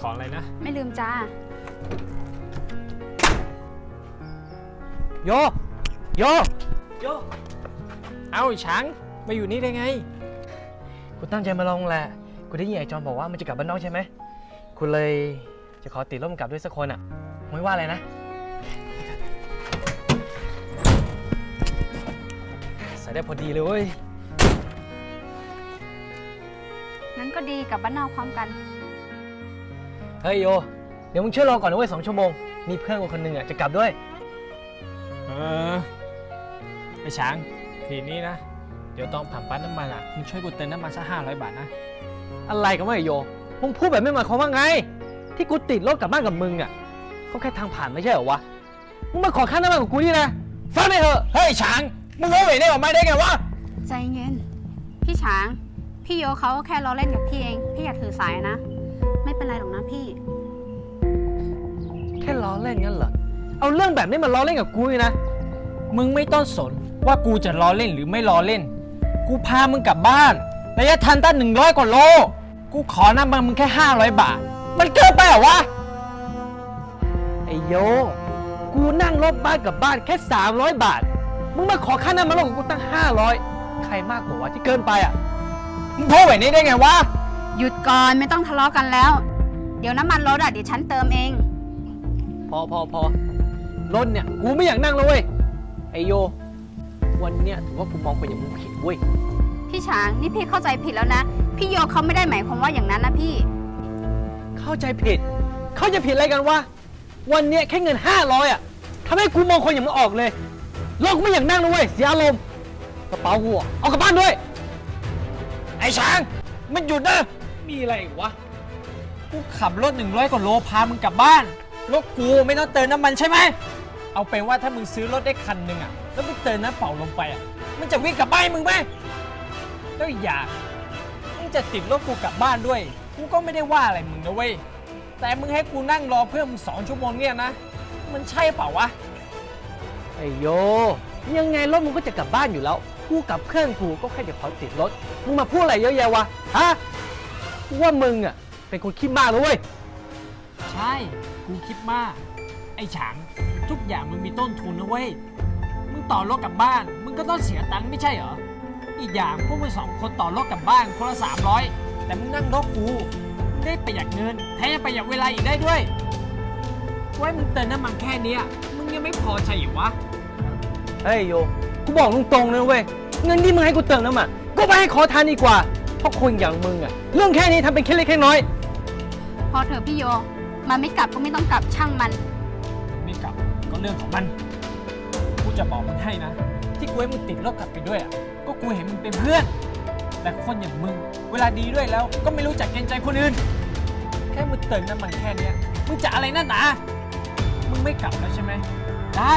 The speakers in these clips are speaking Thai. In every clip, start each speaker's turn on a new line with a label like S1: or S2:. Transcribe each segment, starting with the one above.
S1: ของอะไรนะ
S2: ไม่ลืมจ้า
S1: โยโยโยเอ้าช้างมาอยู่นี่ได้ไง
S3: กูตั้งใจมาลองแหละกูได้ยินไอ้จอนบอกว่ามันจะกลับบ้านนอกใช่ไหมกูเลยจะขอติดร่มกลับด้วยสักคนอ่ะไม่ว่าอะไรนะใส่ได้พอดีเลยเว้ย
S2: งั้นก็ดีกับบ้านนอกพร้อมกัน
S3: เฮ้ยโยเดี๋ยวมึงช่วยรอก่อนนะเว้ย2 ชั่วโมงมีเพื่อนกูคนหนึ่งอ่ะจะกลับด้วย
S1: ไอ้ช้างทีนี้นะเดี๋ยวต้องผ่านปั๊มน้ำมันอ่ะมึงช่วยกูเติมน้ำมันสัก500 บาทนะ
S3: อะไรกันวะไอ้โยมึงพูดแบบไม่หมายความว่าไงที่กูติดรถกลับบ้านกับมึงอ่ะก็แค่ทางผ่านไม่ใช่เหรอวะมึงมาขอค่าน้ำมันกับกูนี่นะฟังไม่เถอะ
S1: เฮ้ยช้างมึงรู้ไหมได้ออกมาได้ไงวะ
S2: ใจเย็นพี่ช้าง พี่โยเขาก็แค่ล้อเล่นกับพี่เอง พี่อย่าถือสายนะ ไม่เป็นไรหรอกนะพี่
S3: แค่ล้อเล่นงั้นเหรอเอาเรื่องแบบนี้มาล้อเล่นกับกูนี่นะ
S1: มึงไม่ต้องสนว่ากูจะล้อเล่นหรือไม่ล้อเล่นกูพามึงกลับบ้านระยะทางตั้ง100 กว่าโลกูขอน้ำมันมึงแค่500 บาทมันเกินไปเหรอวะ
S3: ไอ้โยกูนั่งรถบ้านกับบ้านแค่300 บาทมึงมาขอค่าน้ำมันรถของกูตั้ง500ใครมากกว่าวะที่เกินไปอ่ะ
S1: มึงพูดแบบนี้ได้ไงวะ
S2: หยุดก่อนไม่ต้องทะเลาะกันแล้ว เดี๋ยวน้ำมันรถเดี๋ยวฉันเติมเอง
S3: พอรถเนี่ยกูไม่อยากนั่งแล้วเว้ยไอโยวันเนี้ยถือว่ากูมองไปอย่างมึงผิดเว้ย
S2: พี่ช้างนี่พี่เข้าใจผิดแล้วนะ พี่โยเขาไม่ได้หมายความว่าอย่างนั้นนะพี่
S3: เข้าใจผิดอะไรกันวะวันเนี้ยแค่เงิน500อ่ะทำให้กูมองคนอย่างมึงออกเลยรถกูไม่อยากนั่งแล้วเว้ยเสียอารมณ์กระเป๋ากูอะเอากลับบ้านด้วย
S1: ไอ้ช้างมันหยุดนะ
S3: มีอะไรอีกวะ
S1: กูขับรถ100 กว่าโลพามึงกลับบ้านรถกูไม่ต้องเติมน้ำมันใช่ไหมเอาเป็นว่าถ้ามึงซื้อรถได้คันหนึ่งอ่ะแล้วมึงเติมน้ำเปล่าลงไปอ่ะมันจะวิ่งกลับบ้านมึงไหมแล้วอีกอย่างมึงจะติดรถกูกลับบ้านด้วยกูก็ไม่ได้ว่าอะไรมึงนะเว้ยแต่มึงให้กูนั่งรอเพื่อนมึง2 ชั่วโมงเนี่ยนะมันใช่เปล่าวะ
S3: ไอโยยังไงรถมึงก็จะกลับบ้านอยู่แล้วกูกับเพื่อนกูก็แค่จะขอติดรถมึงมาพูดอะไรเยอะแยะวะฮะกูว่ามึงอ่ะเป็นคนคิดมากเลยเว้ย
S1: ใช่กูคิดมากไอ้ฉางทุกอย่างมึงมีต้นทุนนะเว้ยมึงต่อรถกลับบ้านมึงก็ต้องเสียตังค์ไม่ใช่เหรออีกอย่างพวกมึง2 คนต่อรถกลับบ้านคนละ300แต่มึงนั่งรถกูมึงได้ประหยัดเงินแถมยังประหยัดเวลาอีกได้ด้วยไว้มึงเติมน้ำมันแค่เนี้ยมึงยังไม่พอใช่เหรอวะ
S3: เฮ้ยโยกูบอกตรงๆเลยเว้ยเงินที่มึงให้กูเติมน้ำมันก็ไปให้ขอทานดีกว่าเพราะคนอย่างมึงอ่ะเรื่องแค่นี้ทำเป็นแค่เล็กแค่น้อย
S2: พอเถอะพี่โยมันไม่กลับก็ไม่ต้องกลับช่างมัน
S1: ไม่กลับก็เรื่องของมันกูจะบอกมึงให้นะที่กูให้มึงติดรถกลับไปด้วยอ่ะก็กูเห็นมึงเป็นเพื่อนแต่คนอย่างมึงเวลาดีด้วยแล้วก็ไม่รู้จักเกรงใจคนอื่นแค่มึงเติมน้ำมันแค่เนี้ยมึงจะอะไรนั่นนะมึงไม่กลับแล้วใช่ไหมได้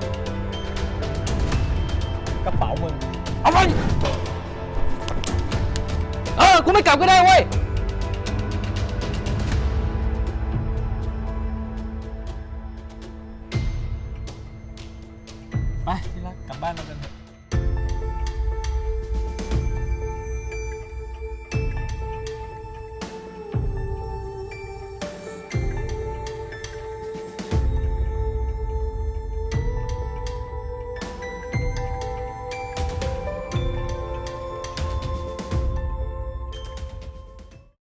S1: กระเป๋ามึงเอาไป
S3: กูไม่กลับก็ได้เว้ย
S1: ไปที่รักกลับบ้านเรากันเถอะ